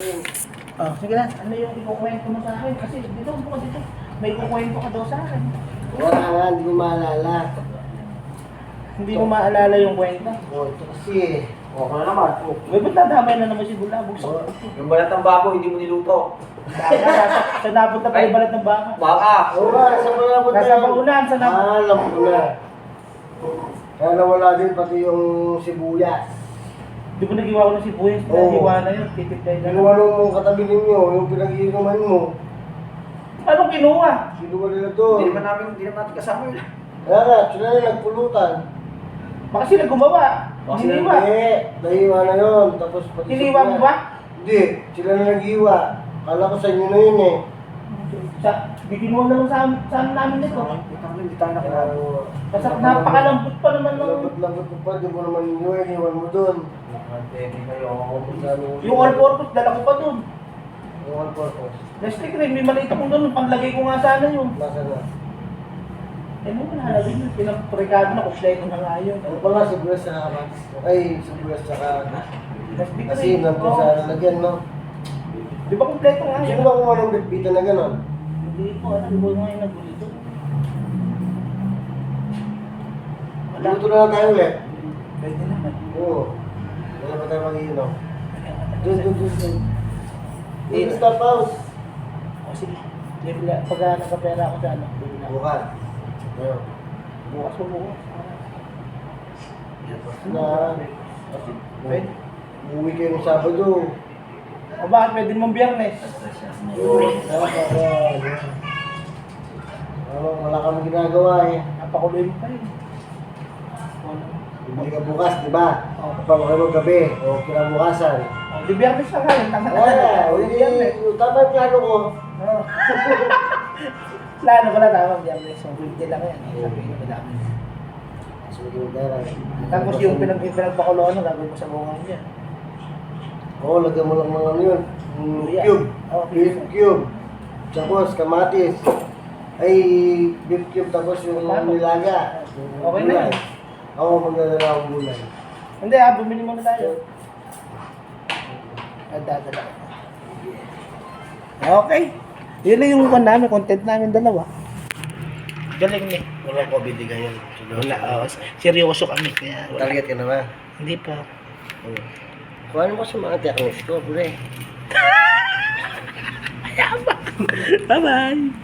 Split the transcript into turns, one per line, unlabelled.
Sige na, ano yung ikukwento mo sa akin? Kasi dito, buka dito. May ikukwento ka daw sa akin.
Wala nga, hindi ko maalala.
Hindi ko maalala yung kwento.
Ito kasi.
Okay na naman.
May ba't nadamay na naman si Bulabog sa
Yung balat ng bako, hindi mo niluto.
Sa napunta pa yung balat ng baka.
Baka!
Oo nga, sa malabot na
Nasa
yun.
baunan, sa napunta.
Alam ko na. Kaya nawala din pati yung sibuyas.
Di ba nagiwa ko ng sibuyas?
Oo.
Nagiwa na yun, titipay na.
Kinuha nung katabi ninyo, yung pinag-iinuman mo.
Anong kinuha?
Kinuha nila doon.
Hindi naman natin kasama yun.
Kaya nga, sila na nagpulutan.
Baka sila gumawa.
Baka
Hindi
sila
ba?
Hindi, nahiwa na yun. Tapos pati
Hiniwa mo ba?
Hindi, sila na naghiwa. Kala ko sa inyo na yun eh.
Bikinuha na lang sa amin namin nito.
Hindi tayo nakilala.
Kasi napakalambot pa naman ng...
Lambot ko pa, di mo naman ninyo, iniwan mo doon.
Yung all-purpose, dala ko pa dun.
Yung all purpose.
Plastic rin, may maliit akong dun. Panglagay ko nga sana yun.
Nasa na?
Eh, mo nahalagay yun. Pinaprikado na, kumpleto na nga yun.
Ano pala, sibuyas sa kamatis. Ay, sibuyas sa
Plastic
kasi
rin.
nandun sa lalagyan, no?
Di ba kumpleto nga
Sino
yun?
ba kung anong bitbita na gano'n?
Hindi po, alam mo nga yung nagulito.
Luto na lang tayo ulit.
Pwede naman.
Oo. Wala pa tayo mag-iinom. Doon. Dito stop house.
O sige. Pagka nakapera ako sa ano, bili na.
Bukas. Ayun.
Bukas mo bukas.
Na,
Pwede.
umuwi kayo ng Sabado.
O bakit pwede mong biyernes?
Wala kami ginagawa eh.
Napakuloy mo pa rin.
Hindi ka bukas, di ba? Kapag kayo gabi o kinabukasan.
O, di biyernes na kayo. Tama na.
Wala,
O, di biyernes.
tama yung plano ko.
Oo. Plano ko na tama biyernes. So, 50 lang yan. Sabihin ko madami. Tapos yung pinagpakuloan na gagawin ko sa bunga niya.
Oo, lagyan mo lang mga ano yun.
Luya.
Cube.
Oo,
Beef cube. Tapos kamatis. Ay, beef cube tapos yung
Paano?
nilaga.
Okay na yan.
Oo, magdadala akong gulay.
Hindi bumili muna tayo. Dadala. Okay. Yun lang yung namin, content namin dalawa. Galing niya.
Walang COVID ngayon.
Wala, seryoso kami. Kaya wala.
Target ka na ba?
Hindi pa.
Oo. Kuha mo sa mga techniques ko, pre.
Bye-bye.